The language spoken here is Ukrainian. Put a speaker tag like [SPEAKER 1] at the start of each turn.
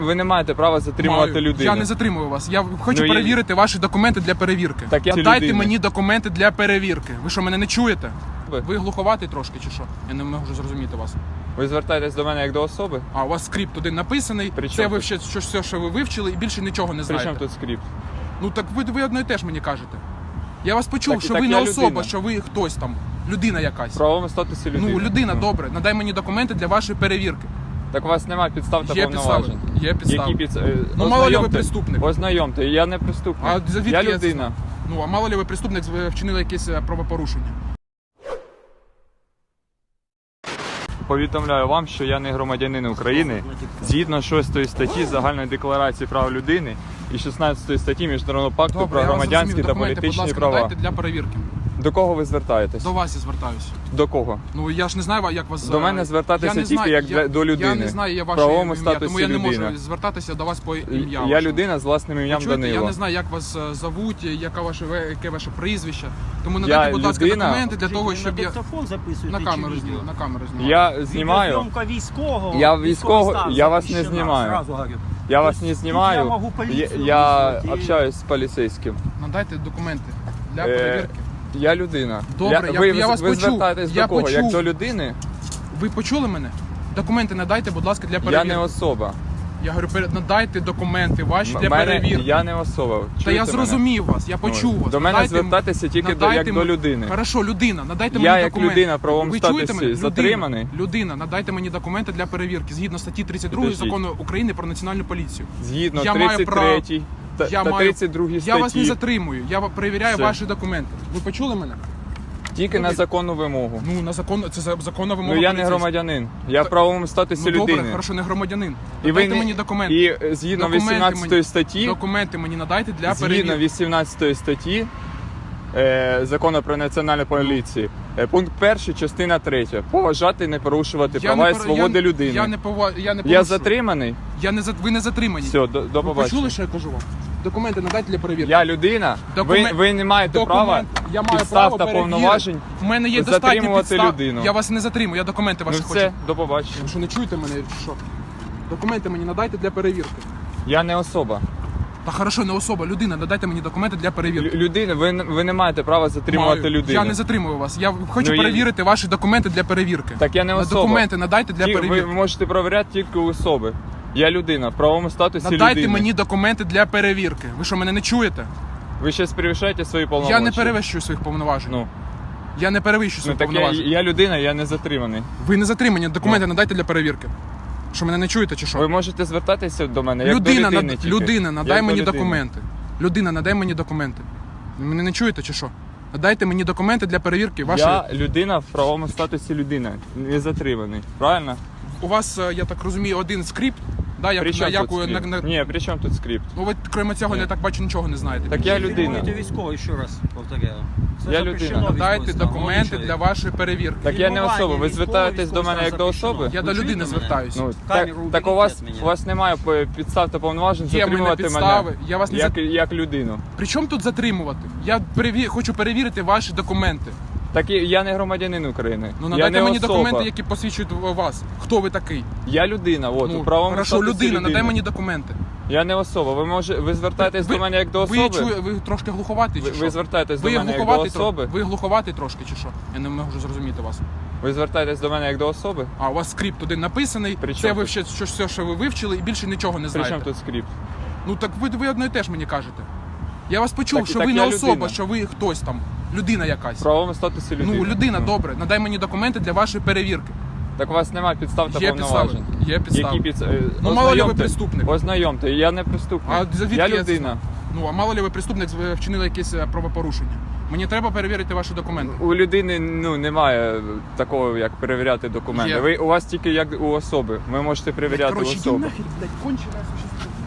[SPEAKER 1] Ви не маєте права затримувати людину.
[SPEAKER 2] Я не затримую вас. Я хочу
[SPEAKER 1] Ну,
[SPEAKER 2] перевірити ваші документи для перевірки.
[SPEAKER 1] Так я
[SPEAKER 2] Надайте
[SPEAKER 1] людина.
[SPEAKER 2] мені документи для перевірки. Ви що, мене не чуєте?
[SPEAKER 1] Ви?
[SPEAKER 2] Ви глуховатий трошки чи що? Я не можу зрозуміти вас.
[SPEAKER 1] Ви звертаєтесь до мене як до особи?
[SPEAKER 2] А у вас скрипт один написаний.
[SPEAKER 1] При
[SPEAKER 2] Це
[SPEAKER 1] чому
[SPEAKER 2] ви
[SPEAKER 1] тут?
[SPEAKER 2] все, що ви вивчили, і більше нічого не
[SPEAKER 1] При
[SPEAKER 2] знаєте.
[SPEAKER 1] чому тут скрипт?
[SPEAKER 2] Ну так ви одно і теж мені кажете. Я вас почув,
[SPEAKER 1] Так-
[SPEAKER 2] що
[SPEAKER 1] так
[SPEAKER 2] ви
[SPEAKER 1] я
[SPEAKER 2] не особа,
[SPEAKER 1] людина.
[SPEAKER 2] що ви хтось там, людина якась.
[SPEAKER 1] В правовому статусі людини.
[SPEAKER 2] Ну, людина, добре. Надай мені документи для вашої перевірки.
[SPEAKER 1] Так у вас немає підстав та
[SPEAKER 2] Є підстави.
[SPEAKER 1] повноважень.
[SPEAKER 2] Є підстави. Ну, мало ли ви преступник.
[SPEAKER 1] Ознайомте, я не преступник.
[SPEAKER 2] А звідки
[SPEAKER 1] я
[SPEAKER 2] я
[SPEAKER 1] людина.
[SPEAKER 2] Ну, а мало ли ви преступник вчинили якесь правопорушення.
[SPEAKER 1] Повідомляю вам, що я не громадянин України. Згідно 6 статті Загальної декларації прав людини і 16 статті Міжнародного пакту
[SPEAKER 2] Добре,
[SPEAKER 1] про
[SPEAKER 2] я вас
[SPEAKER 1] громадянські
[SPEAKER 2] зрозумів.
[SPEAKER 1] та
[SPEAKER 2] Документи,
[SPEAKER 1] політичні
[SPEAKER 2] будь ласка,
[SPEAKER 1] права.
[SPEAKER 2] надайте для перевірки.
[SPEAKER 1] До кого ви звертаєтесь?
[SPEAKER 2] До вас я звертаюся.
[SPEAKER 1] До кого?
[SPEAKER 2] Ну, я ж не знаю, як вас...
[SPEAKER 1] До мене звертатися
[SPEAKER 2] я не
[SPEAKER 1] тільки
[SPEAKER 2] знаю,
[SPEAKER 1] як до людини.
[SPEAKER 2] Я не знаю, я
[SPEAKER 1] В
[SPEAKER 2] ваше
[SPEAKER 1] правовому
[SPEAKER 2] ім'я,
[SPEAKER 1] статусі
[SPEAKER 2] тому я не
[SPEAKER 1] людина.
[SPEAKER 2] можу звертатися до вас по ім'я.
[SPEAKER 1] Я
[SPEAKER 2] вашому.
[SPEAKER 1] людина з власним ім'ям
[SPEAKER 2] Чуєте,
[SPEAKER 1] Данило.
[SPEAKER 2] я не знаю, як вас зовуть, яке ваше прізвище. Тому надайте, будь ласка,
[SPEAKER 1] людина.
[SPEAKER 2] документи для того, щоб я...
[SPEAKER 3] диктофон записуєте
[SPEAKER 2] На камеру
[SPEAKER 3] чи відео?
[SPEAKER 2] знімаю, на камеру знімаю.
[SPEAKER 1] Я знімаю.
[SPEAKER 3] Відеозйомка військового.
[SPEAKER 1] Я
[SPEAKER 3] військовий
[SPEAKER 1] військовий,
[SPEAKER 3] стан
[SPEAKER 1] я вас не
[SPEAKER 3] запрещена,
[SPEAKER 1] знімаю.
[SPEAKER 3] зразу говорю.
[SPEAKER 1] Я вас
[SPEAKER 3] Тобто
[SPEAKER 1] не
[SPEAKER 3] тут
[SPEAKER 1] знімаю.
[SPEAKER 3] я можу поліцію
[SPEAKER 1] Я
[SPEAKER 3] визвати і-
[SPEAKER 1] общаюсь з поліцейським.
[SPEAKER 2] Надайте документи для
[SPEAKER 1] Е,
[SPEAKER 2] перевірки.
[SPEAKER 1] Я людина.
[SPEAKER 2] Добре,
[SPEAKER 1] ви,
[SPEAKER 2] я вас
[SPEAKER 1] ви
[SPEAKER 2] почув.
[SPEAKER 1] звертаєтесь
[SPEAKER 2] Я
[SPEAKER 1] до кого? Як
[SPEAKER 2] почув.
[SPEAKER 1] до людини?
[SPEAKER 2] Ви почули мене? Документи надайте, будь ласка, для
[SPEAKER 1] Я
[SPEAKER 2] перевірки.
[SPEAKER 1] не особа.
[SPEAKER 2] Я говорю, надайте документи ваші для
[SPEAKER 1] Мене-
[SPEAKER 2] перевірки.
[SPEAKER 1] Я не особа.
[SPEAKER 2] Та
[SPEAKER 1] Чуєте
[SPEAKER 2] я зрозумів вас, я
[SPEAKER 1] мене?
[SPEAKER 2] почув вас.
[SPEAKER 1] До мене
[SPEAKER 2] Надайте
[SPEAKER 1] звертатися тільки
[SPEAKER 2] надайте
[SPEAKER 1] як до людини.
[SPEAKER 2] Хорошо, людина, надайте
[SPEAKER 1] Я
[SPEAKER 2] мені
[SPEAKER 1] як
[SPEAKER 2] документи.
[SPEAKER 1] людина в правовому
[SPEAKER 2] Ви чуєте
[SPEAKER 1] статусі
[SPEAKER 2] мене?
[SPEAKER 1] затриманий.
[SPEAKER 2] Людина, надайте мені документи для перевірки згідно статті 32
[SPEAKER 1] Підождіть.
[SPEAKER 2] Закону України про національну поліцію.
[SPEAKER 1] Згідно
[SPEAKER 2] Я маю
[SPEAKER 1] 33 та,
[SPEAKER 2] Я
[SPEAKER 1] та
[SPEAKER 2] маю-
[SPEAKER 1] 32 статті.
[SPEAKER 2] Я вас не затримую, я перевіряю
[SPEAKER 1] Все.
[SPEAKER 2] ваші документи. Ви почули мене?
[SPEAKER 1] Тільки на законну вимогу.
[SPEAKER 2] Ну, на закон, це законна вимога.
[SPEAKER 1] Ну я не
[SPEAKER 2] поліцейська.
[SPEAKER 1] громадянин. Я в правовому статусі
[SPEAKER 2] Ну добре,
[SPEAKER 1] людини.
[SPEAKER 2] хорошо, не громадянин.
[SPEAKER 1] І ви
[SPEAKER 2] Надайте
[SPEAKER 1] не-
[SPEAKER 2] мені документи.
[SPEAKER 1] І згідно
[SPEAKER 2] Документи
[SPEAKER 1] 18
[SPEAKER 2] мені-
[SPEAKER 1] статті,
[SPEAKER 2] Документи мені надайте для
[SPEAKER 1] згідно
[SPEAKER 2] перевірки.
[SPEAKER 1] 18 статті Закону про національну поліцію, пункт 1, частина 3. Поважати і не порушувати права і свободи людини.
[SPEAKER 2] Я не
[SPEAKER 1] Я
[SPEAKER 2] порушую.
[SPEAKER 1] затриманий.
[SPEAKER 2] Ви не затримані.
[SPEAKER 1] Все, до
[SPEAKER 2] Ви
[SPEAKER 1] побачення.
[SPEAKER 2] почули, що я кажу вам? Документи надайте для перевірки.
[SPEAKER 1] Я людина. Ви не маєте права
[SPEAKER 2] Я маю
[SPEAKER 1] підстав
[SPEAKER 2] право
[SPEAKER 1] та
[SPEAKER 2] перевірити.
[SPEAKER 1] повноважень
[SPEAKER 2] В мене є достатньо
[SPEAKER 1] затримувати
[SPEAKER 2] підстав.
[SPEAKER 1] людину.
[SPEAKER 2] Я вас не затримую, я документи
[SPEAKER 1] Ну
[SPEAKER 2] ваші хочу.
[SPEAKER 1] все, до побачення.
[SPEAKER 2] Ви що, не чуєте мене? чи Що? Документи мені надайте для перевірки.
[SPEAKER 1] Я не особа.
[SPEAKER 2] Та хорошо, не особа, людина, надайте мені документи для перевірки.
[SPEAKER 1] Людина, ви не маєте права затримувати
[SPEAKER 2] Маю.
[SPEAKER 1] людину.
[SPEAKER 2] Я не затримую вас. Я хочу
[SPEAKER 1] Ну,
[SPEAKER 2] перевірити ваші документи для перевірки.
[SPEAKER 1] Так я не особа.
[SPEAKER 2] Документи надайте для
[SPEAKER 1] Ви
[SPEAKER 2] перевірки.
[SPEAKER 1] можете перевіряти тільки у особи. Я людина в правовому статусі
[SPEAKER 2] Надайте
[SPEAKER 1] людини.
[SPEAKER 2] мені документи для перевірки. Ви що, мене не чуєте?
[SPEAKER 1] Ви зараз перевищаєте свої повноваження.
[SPEAKER 2] Я не перевищую своїх повноважень.
[SPEAKER 1] Ну,
[SPEAKER 2] Я не перевищую своїх
[SPEAKER 1] так
[SPEAKER 2] повноважень.
[SPEAKER 1] я людина, я не затриманий.
[SPEAKER 2] Ви не затримані, документи надайте для перевірки. Що, мене не чуєте чи що?
[SPEAKER 1] Ви можете звертатися до мене як
[SPEAKER 2] Людина,
[SPEAKER 1] до людини. тільки.
[SPEAKER 2] людина, надай
[SPEAKER 1] Як до
[SPEAKER 2] мені
[SPEAKER 1] людини.
[SPEAKER 2] документи. Людина, надай мені документи. Ви мене не чуєте чи що? Надайте мені документи для перевірки вашої...
[SPEAKER 1] Я людина в правовому статусі людина, не затриманий. Правильно?
[SPEAKER 2] У вас, я так розумію, один скрипт, да,
[SPEAKER 1] При чому
[SPEAKER 2] як
[SPEAKER 1] тут
[SPEAKER 2] у...
[SPEAKER 1] скрипт? Ні, при чому тут скрипт?
[SPEAKER 2] Ну ви, крім цього,
[SPEAKER 1] Ні.
[SPEAKER 2] я так бачу, нічого не знаєте.
[SPEAKER 1] Так я
[SPEAKER 3] Ви
[SPEAKER 1] людина.
[SPEAKER 3] фільмуєте військовий, ще раз повторяю. Це
[SPEAKER 1] Я
[SPEAKER 3] запрещено
[SPEAKER 1] людина.
[SPEAKER 2] Надайте
[SPEAKER 3] військовий стан,
[SPEAKER 2] документи
[SPEAKER 3] молодий
[SPEAKER 2] для
[SPEAKER 3] чоловік.
[SPEAKER 2] вашої перевірки.
[SPEAKER 1] Так я не
[SPEAKER 3] Фільмування
[SPEAKER 1] особа. Ви
[SPEAKER 3] військового,
[SPEAKER 1] звертаєтесь до мене як до
[SPEAKER 3] запрещено.
[SPEAKER 1] особи?
[SPEAKER 2] Я
[SPEAKER 3] Ви
[SPEAKER 2] до
[SPEAKER 3] чуєте
[SPEAKER 2] людини
[SPEAKER 3] мене?
[SPEAKER 2] звертаюся.
[SPEAKER 1] Ну,
[SPEAKER 3] Камеру
[SPEAKER 1] так у
[SPEAKER 3] уберіть
[SPEAKER 1] вас,
[SPEAKER 3] від мене.
[SPEAKER 1] у вас немає підстав та повноважень
[SPEAKER 2] Є в мене
[SPEAKER 1] затримувати
[SPEAKER 2] підстави.
[SPEAKER 1] мене
[SPEAKER 2] Я вас не
[SPEAKER 1] як людину.
[SPEAKER 2] При чому тут затримувати? Я хочу перевірити ваші документи.
[SPEAKER 1] Так я не громадянин України.
[SPEAKER 2] Ну
[SPEAKER 1] я
[SPEAKER 2] надайте
[SPEAKER 1] не
[SPEAKER 2] мені
[SPEAKER 1] особа.
[SPEAKER 2] документи, які посвідчують вас. Хто ви такий?
[SPEAKER 1] Я людина, от,
[SPEAKER 2] Ну,
[SPEAKER 1] у правовому
[SPEAKER 2] хорошо,
[SPEAKER 1] статусі
[SPEAKER 2] людина, надай
[SPEAKER 1] людини.
[SPEAKER 2] мені документи.
[SPEAKER 1] Я не особа. Ви звертаєтесь до мене як до
[SPEAKER 2] Ви,
[SPEAKER 1] особи?
[SPEAKER 2] ви трошки глуховатий чи
[SPEAKER 1] Ви
[SPEAKER 2] що?
[SPEAKER 1] звертаєтесь
[SPEAKER 2] Ви
[SPEAKER 1] до мене як до
[SPEAKER 2] глуховатий
[SPEAKER 1] особи?
[SPEAKER 2] Ви глуховатий трошки чи що? Я не можу зрозуміти вас.
[SPEAKER 1] Ви звертаєтесь до мене як до особи?
[SPEAKER 2] А у вас скрипт один написаний,
[SPEAKER 1] При
[SPEAKER 2] це
[SPEAKER 1] чому
[SPEAKER 2] ви
[SPEAKER 1] тут?
[SPEAKER 2] все, що ви вивчили, і більше нічого не
[SPEAKER 1] При
[SPEAKER 2] знаєте.
[SPEAKER 1] чому тут скрипт?
[SPEAKER 2] Ну так ви одно і теж мені кажете. Я вас почув,
[SPEAKER 1] Так-
[SPEAKER 2] що
[SPEAKER 1] так
[SPEAKER 2] ви не
[SPEAKER 1] я
[SPEAKER 2] особа,
[SPEAKER 1] людина.
[SPEAKER 2] що ви хтось там, людина
[SPEAKER 1] В
[SPEAKER 2] якась.
[SPEAKER 1] правовому статусі людини.
[SPEAKER 2] Ну, людина, добре, надай мені документи для вашої перевірки.
[SPEAKER 1] Так у вас немає підстав та
[SPEAKER 2] Є підстави.
[SPEAKER 1] повноважень.
[SPEAKER 2] Є підстави. Ну, мало ли ви
[SPEAKER 1] Ознайомте.
[SPEAKER 2] преступник.
[SPEAKER 1] Ознайомте, я не преступник.
[SPEAKER 2] А звідки
[SPEAKER 1] я
[SPEAKER 2] я це
[SPEAKER 1] людина.
[SPEAKER 2] знаю? Ну, а мало ли ви преступник вчинили якесь правопорушення. Мені треба перевірити ваші документи.
[SPEAKER 1] У людини немає такого, як перевіряти документи.
[SPEAKER 2] Є.
[SPEAKER 1] У вас тільки як у особи. Ви можете перевіряти у
[SPEAKER 2] Коротше,
[SPEAKER 1] особи.
[SPEAKER 2] нахер, блядь, кончена.